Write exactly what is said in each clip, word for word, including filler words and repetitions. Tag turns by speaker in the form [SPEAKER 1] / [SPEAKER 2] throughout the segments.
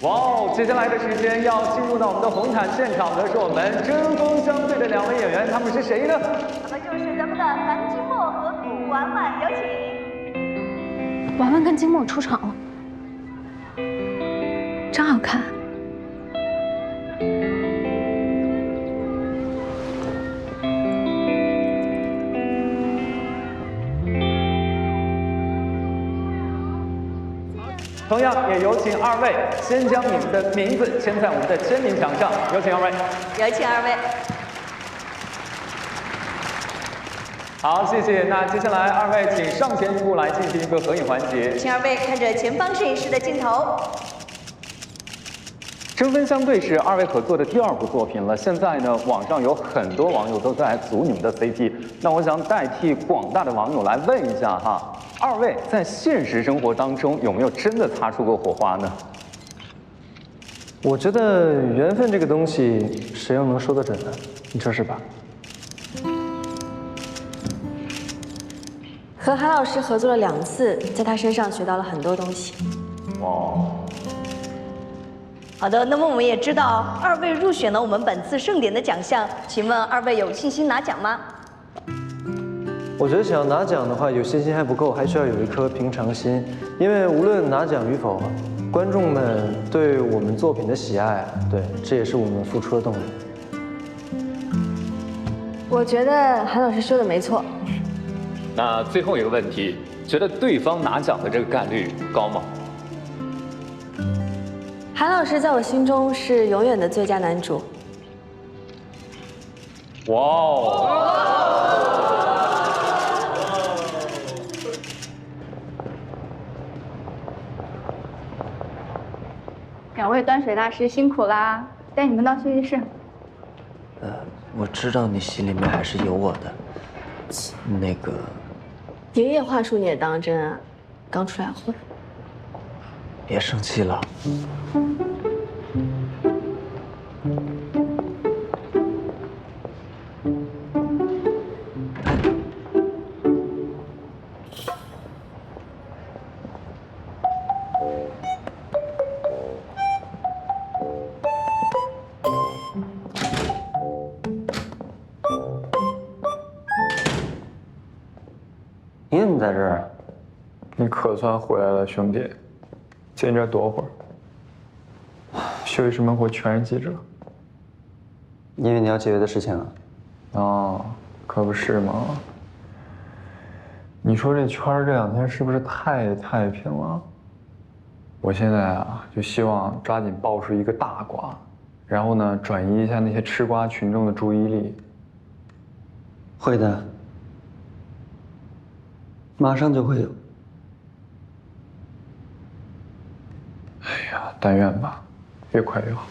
[SPEAKER 1] 哇哦！接下来的时间要进入到我们的红毯现场的是我们针锋相对的两位演员，他们是谁呢？
[SPEAKER 2] 他们就是咱们的樊金墨和陆婉婉，有请。
[SPEAKER 3] 婉婉跟金墨出场了，真好看。
[SPEAKER 1] 同样也有请二位先将你们的名字签在我们的签名墙上，有请二位。
[SPEAKER 2] 有请二位。
[SPEAKER 1] 好，谢谢。那接下来二位请上前一步来进行一个合影环节。
[SPEAKER 2] 请二位看着前方摄影师的镜头。
[SPEAKER 1] 针锋相对是二位合作的第二部作品了。现在呢，网上有很多网友都在组你们的 C P。那我想代替广大的网友来问一下哈。 二位在现实生活当中有没有真的擦出过火花呢？
[SPEAKER 4] 我觉得缘分这个东西，谁又能说得准呢？你说是吧？
[SPEAKER 5] 和韩老师合作了两次，在他身上学到了很多东西。
[SPEAKER 1] 哇！
[SPEAKER 2] 好的，那么我们也知道二位入选了我们本次盛典的奖项，请问二位有信心拿奖吗？
[SPEAKER 4] 我觉得想要拿奖的话，有信心还不够，还需要有一颗平常心。因为无论拿奖与否，观众们对我们作品的喜爱，对，这也是我们付出的动力。
[SPEAKER 5] 我觉得韩老师说的没错。
[SPEAKER 1] 那最后一个问题，觉得对方拿奖的这个概率高吗？
[SPEAKER 5] 韩老师在我心中是永远的最佳男主。
[SPEAKER 1] 哇哦！
[SPEAKER 3] 两位端水大师辛苦啦，带你们到休息室。
[SPEAKER 6] 呃，我知道你心里面还是有我的。那个，
[SPEAKER 5] 爷爷话术你也当真啊？刚出来混。
[SPEAKER 6] 别生气了。
[SPEAKER 4] 你怎么在这儿？
[SPEAKER 7] 你可算回来了，兄弟。先这躲会儿。休息室门口全是记者。
[SPEAKER 4] 因为你要解决的事情啊。
[SPEAKER 7] 哦，可不是嘛。你说这圈儿这两天是不是太太平了？我现在啊，就希望抓紧爆出一个大瓜，然后呢，转移一下那些吃瓜群众的注意力。
[SPEAKER 4] 会的。 马上就会有。
[SPEAKER 7] 哎呀，但愿吧，越快越好。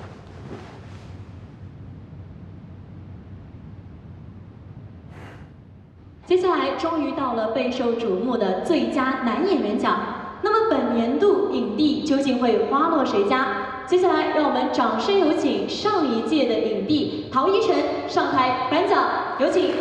[SPEAKER 8] 接下来终于到了备受瞩目的最佳男演员奖。那么本年度影帝究竟会花落谁家？接下来让我们掌声有请上一届的影帝陶一晨上台颁奖，有请。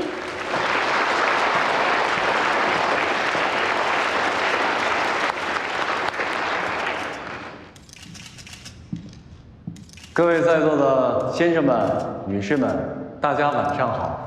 [SPEAKER 1] 各位在座的先生们、女士们，大家晚上好。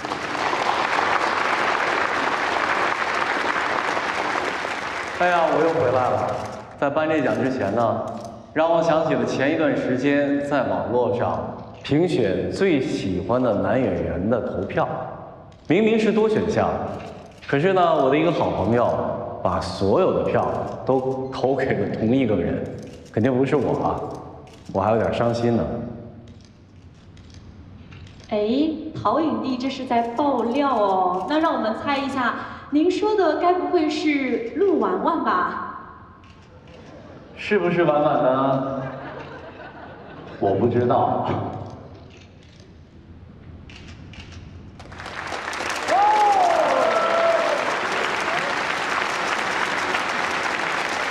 [SPEAKER 1] 哎呀，我又回来了。在颁这奖之前呢，让我想起了前一段时间在网络上评选最喜欢的男演员的投票，明明是多选项，可是呢，我的一个好朋友把所有的票都投给了同一个人，肯定不是我啊。 我还有点伤心呢。
[SPEAKER 8] 哎，陶影帝这是在爆料哦。那让我们猜一下，您说的该不会是陆婉婉吧？
[SPEAKER 1] 是不是婉婉呢？我不知道，